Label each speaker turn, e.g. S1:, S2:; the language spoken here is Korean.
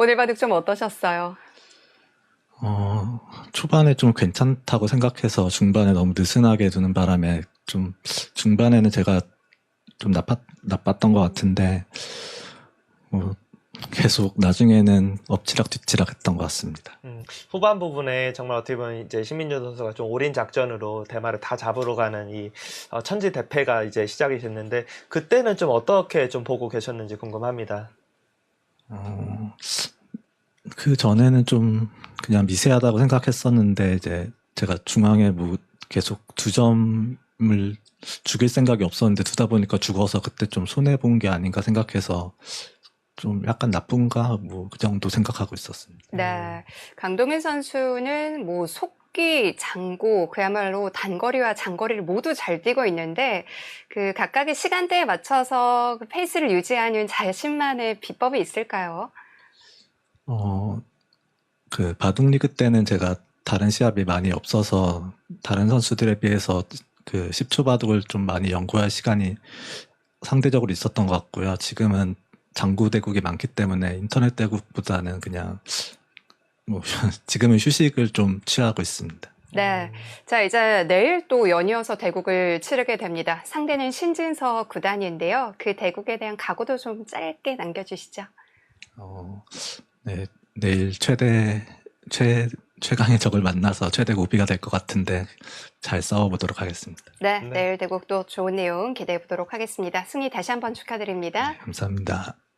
S1: 오늘 바둑 좀 어떠셨어요?
S2: 초반에 좀 괜찮다고 생각해서 중반에 너무 느슨하게 두는 바람에 좀 중반에는 제가 좀 나빴던 것 같은데 계속 나중에는 엎치락뒤치락 했던 것 같습니다.
S3: 후반 부분에 정말 어떻게 보면 이제 신민준 선수가 좀 올인 작전으로 대마를 다 잡으러 가는 이 천지대패가 이제 시작이 됐는데 그때는 좀 어떻게 좀 보고 계셨는지 궁금합니다.
S2: 그 전에는 좀 그냥 미세하다고 생각했었는데 이제 제가 중앙에 뭐 계속 두 점을 죽일 생각이 없었는데 두다 보니까 죽어서 그때 좀 손해 본 게 아닌가 생각해서 좀 약간 나쁜가 뭐 그 정도 생각하고 있었습니다.
S1: 네. 강동현 선수는 뭐 속기, 장고, 그야말로 단거리와 장거리를 모두 잘 뛰고 있는데 그 각각의 시간대에 맞춰서 그 페이스를 유지하는 자신만의 비법이 있을까요?
S2: 그 바둑리그 때는 제가 다른 시합이 많이 없어서 다른 선수들에 비해서 그 10초 바둑을 좀 많이 연구할 시간이 상대적으로 있었던 것 같고요. 지금은 장구 대국이 많기 때문에 인터넷 대국보다는 그냥 뭐 지금은 휴식을 좀 취하고 있습니다.
S1: 네. 자, 이제 내일 또 연이어서 대국을 치르게 됩니다. 상대는 신진서 구단인데요. 그 대국에 대한 각오도 좀 짧게 남겨주시죠.
S2: 네, 내일 최강의 적을 만나서 최대 고비가 될 것 같은데 잘 싸워보도록 하겠습니다.
S1: 네,
S3: 네.
S1: 내일 대국도 좋은 내용 기대해 보도록 하겠습니다. 승리 다시 한번 축하드립니다.
S2: 네, 감사합니다.